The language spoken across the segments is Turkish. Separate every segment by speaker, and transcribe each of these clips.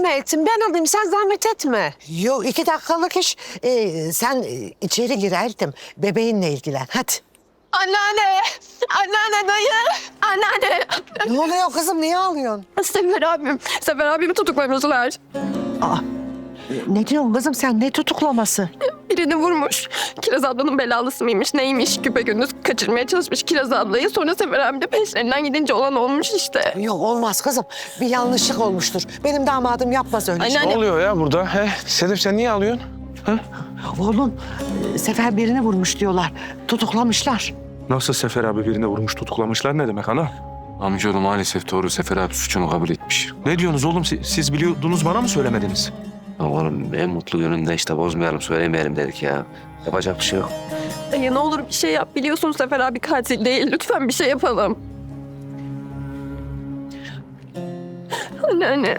Speaker 1: zahmet ettin. Ben alayım, sen zahmet etme.
Speaker 2: Yok 2 dakikalık iş. Sen içeri girerdim. Bebeğinle ilgilen hadi.
Speaker 1: Anneanne, anneanne dayı, anneanne.
Speaker 2: Ne oluyor kızım niye ağlıyorsun?
Speaker 1: Sefer abimi tutuklamışlar.
Speaker 2: Ne diyorsun kızım sen ne tutuklaması?
Speaker 1: Birini vurmuş. Kiraz ablanın belalısı mıymış neymiş? Güpegündüz kaçırmaya çalışmış Kiraz ablayı. Sonra Sefer abi de peşlerinden gidince olan olmuş işte.
Speaker 2: Yok olmaz kızım bir yanlışlık olmuştur. Benim damadım yapmaz öyle şey.
Speaker 1: Anneanne.
Speaker 3: Ne oluyor ya burada? Sedef sen niye ağlıyorsun?
Speaker 2: Oğlum Sefer birini vurmuş diyorlar. Tutuklamışlar.
Speaker 3: Nasıl Sefer abi birine vurmuş tutuklamışlar ne demek ana?
Speaker 4: Amcaoğlu maalesef doğru. Sefer abi suçunu kabul etmiş.
Speaker 3: Ne diyorsunuz oğlum siz biliyordunuz bana mı söylemediniz?
Speaker 4: Ya oğlum en mutlu gününde işte bozmayalım, söylemeyelim dedik ya. Yapacak bir şey yok.
Speaker 1: Dayı ne olur bir şey yap. Biliyorsun Sefer abi katil değil. Lütfen bir şey yapalım. Anneanne.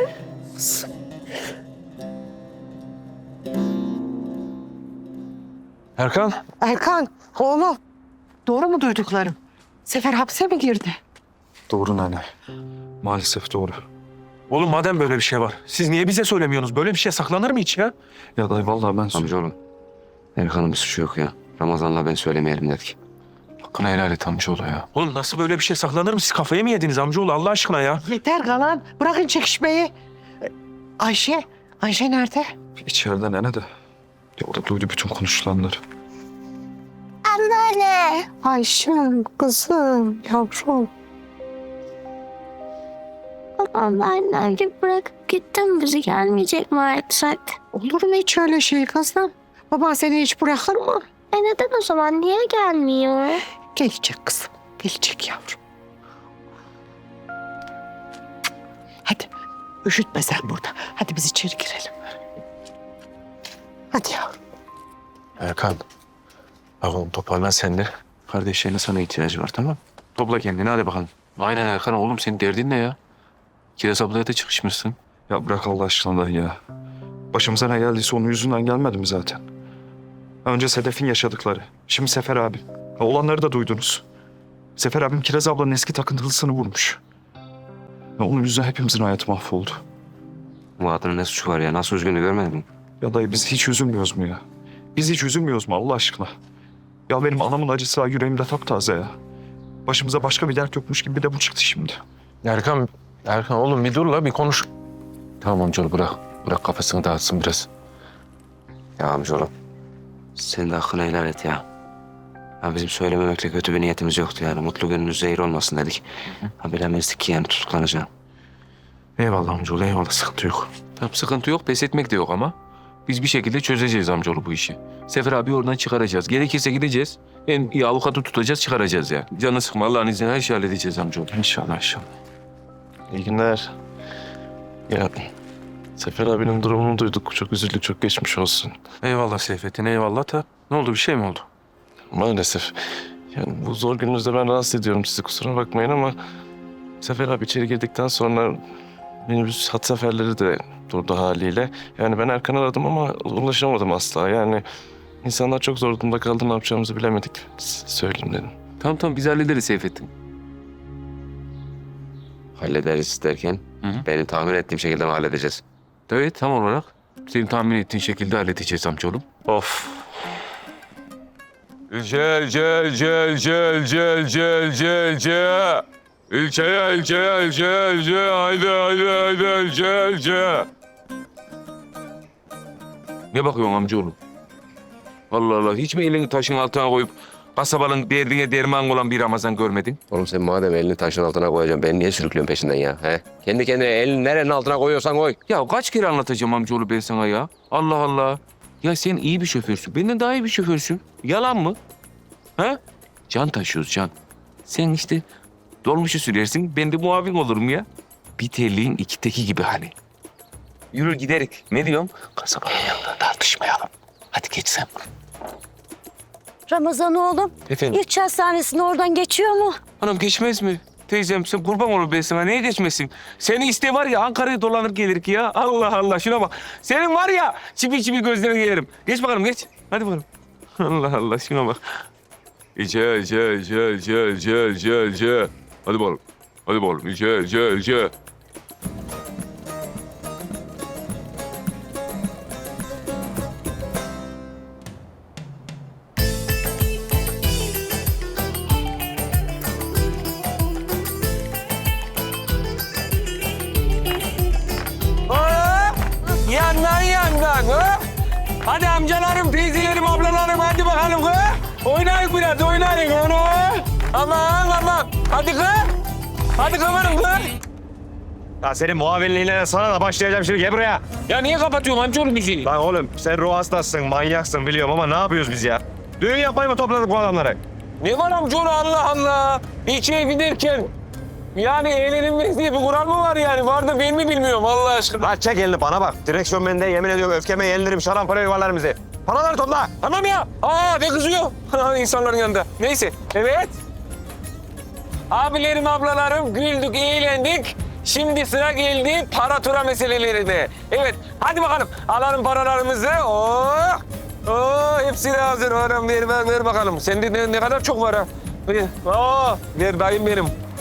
Speaker 3: Erkan.
Speaker 2: Erkan oğlum doğru mu duyduklarım? Sefer hapse mi girdi?
Speaker 3: Doğru nene. Maalesef doğru. Oğlum madem böyle bir şey var, siz niye bize söylemiyorsunuz? Böyle bir şey saklanır mı hiç ya? Ya dayı vallahi ben...
Speaker 4: Amcaoğlu, Erkan'ın bir suçu yok ya. Ramazan'la ben söylemeyelim dedik.
Speaker 3: Hakkını helal et amcaoğlu ya. Oğlum nasıl böyle bir şey saklanır mı? Siz kafayı mı yediniz amcaoğlu Allah aşkına ya?
Speaker 2: Yeter kalan bırakın çekişmeyi. Ayşe nerede?
Speaker 3: İçeride nene de. Ya o da duydu bütün konuşulanları.
Speaker 2: Anneanne. Ayşem kızım yavrum.
Speaker 5: Annem gibi bırakıp gittim, bizi gelmeyecek mi artık?
Speaker 2: Olur mu hiç öyle şey kızım? Baban seni hiç bırakır mı?
Speaker 5: Neden o zaman, niye gelmiyor?
Speaker 2: Gelecek kızım. Gelecek yavrum. Hadi üşütme sen burada. Hadi biz içeri girelim. Hadi yavrum.
Speaker 3: Erkan. Bak oğlum toparlan sen de.
Speaker 4: Kardeşlerine sana ihtiyacı var, tamam mı?
Speaker 3: Topla kendini hadi bakalım.
Speaker 4: Aynen Erkan oğlum, senin derdin ne ya? Kiraz ablaya da çıkışmışsın.
Speaker 3: Ya bırak Allah aşkına dayı ya. Başımıza ne geldiyse onun yüzünden gelmedi mi zaten? Önce Sedef'in yaşadıkları. Şimdi Sefer abi. Ya olanları da duydunuz. Sefer abim Kiraz ablanın eski takıntılısını vurmuş. Ya onun yüzünden hepimizin hayatı mahvoldu.
Speaker 4: Bu adamın ne suçu var ya? Nasıl üzgünü görmedin mi?
Speaker 3: Ya dayı biz hiç üzülmüyoruz mu ya? Biz hiç üzülmüyoruz mu Allah aşkına? Ya benim anamın acısı ha yüreğimde taptaze ya. Başımıza başka bir dert yokmuş gibi bir de bu çıktı şimdi.
Speaker 6: Erkan oğlum bir dur la bir konuş.
Speaker 4: Tamam amcaoğlu bırak. Bırak kafasını dağıtsın biraz. Ya amcaoğlu, sen de hakkını helal et ya. Ya bizim söylememekle kötü bir niyetimiz yoktu yani. Mutlu gününüz zehir olmasın dedik. Ha bilemezdik ki yani tutuklanacağım.
Speaker 3: Eyvallah amcaoğlu eyvallah sıkıntı yok.
Speaker 6: Tamam sıkıntı yok pes etmek de yok ama. Biz bir şekilde çözeceğiz amcaoğlu bu işi. Sefer abi oradan çıkaracağız. Gerekirse gideceğiz. En iyi avukatı tutacağız çıkaracağız ya. Canını sıkma Allah'ın izniyle her şeyi halledeceğiz amcaoğlu.
Speaker 3: İnşallah inşallah.
Speaker 7: İyi günler. Ya Sefer abinin durumunu duyduk. Çok üzüldük, çok geçmiş olsun.
Speaker 3: Eyvallah Seyfettin eyvallah da. Ne oldu bir şey mi oldu?
Speaker 7: Maalesef. Yani bu zor gününüzde ben rahatsız ediyorum sizi, kusura bakmayın ama... Sefer abi içeri girdikten sonra minibüs hat seferleri de durdu haliyle. Yani ben Erkan'ı aradım ama ulaşamadım asla. Yani insanlar çok zor durumda kaldı, ne yapacağımızı bilemedik. Söyleyeyim dedim.
Speaker 6: Tamam biz hallederiz Seyfettin.
Speaker 4: Hallederiz derken benim tahmin ettiğim şekilde mi halledeceğiz?
Speaker 6: Evet tam olarak senin tahmin ettiğin şekilde halledeceğiz amcaoğlu.
Speaker 3: Of.
Speaker 8: Gel. İlçeye. Haydi. Gel.
Speaker 6: Ne bakıyorsun amcaoğlu? Allah Allah hiç mi elini taşın altına koyup kasabanın derdine derman olan bir Ramazan görmedin?
Speaker 4: Oğlum sen madem elini taşın altına koyacaksın, ben niye sürüklüyorsun peşinden ya? He? Kendi kendine elini nerenin altına koyuyorsan koy.
Speaker 6: Ya kaç kere anlatacağım amcaoğlu ben sana ya? Allah Allah. Ya sen iyi bir şoförsün. Benden daha iyi bir şoförsün. Yalan mı? Ha? Can taşıyoruz can. Sen işte dolmuşu sürersin. Ben de muavin olurum ya. Bir terliğin iki teki gibi hani. Yürü giderik. Ne diyorum? Kasabanın yanında tartışmayalım. Hadi geç sen.
Speaker 5: Ramazan oğlum,
Speaker 6: Efendim?
Speaker 5: ilk hastanesine oradan geçiyor mu?
Speaker 6: Anam geçmez mi? Teyzem sen kurban olur ben sana. Neye geçmesin? Seni iste var ya Ankara'ya dolanır gelir ki ya. Allah Allah şuna bak. Senin var ya çipi gözlerini yerim. Geç bakalım geç. Hadi bakalım. Allah Allah şuna bak.
Speaker 8: Gel. Hadi bakalım. Gel.
Speaker 6: Hadi amcalarım, teyzelerim, ablalarım hadi bakalım kız. Oynayın biraz, oynayın onu. Aman aman. Hadi kız. Hadi kafanım kız.
Speaker 9: Ya senin muavinliğine sana da başlayacağım şimdi. Gel buraya.
Speaker 6: Ya niye kapatıyorsun amcaoğlu müziği?
Speaker 9: Lan oğlum sen ruh hastasın, manyaksın biliyorum ama ne yapıyoruz biz ya? Düğün yapmayı mı topladık bu adamları?
Speaker 6: Ne var amcaoğlu Allah Allah. İçeri giderken yani eğlenilmez diye bir kural mı var yani? Var da ben mi bilmiyorum Allah aşkına.
Speaker 9: Lan çek elini bana bak. Direksiyon bende, yemin ediyorum öfkeme yenilirim, şarampole yuvarlarım bizi. Paraları topla.
Speaker 6: Tamam ya. Ne kızıyor? İnsanların yanında. Neyse. Evet. Abilerim, ablalarım güldük, eğlendik. Şimdi sıra geldi para tura meselelerine. Evet, hadi bakalım. Alalım paralarımızı. Hepsi de hazır. Ver bakalım. Sende ne kadar çok var ha. Ver dayım benim.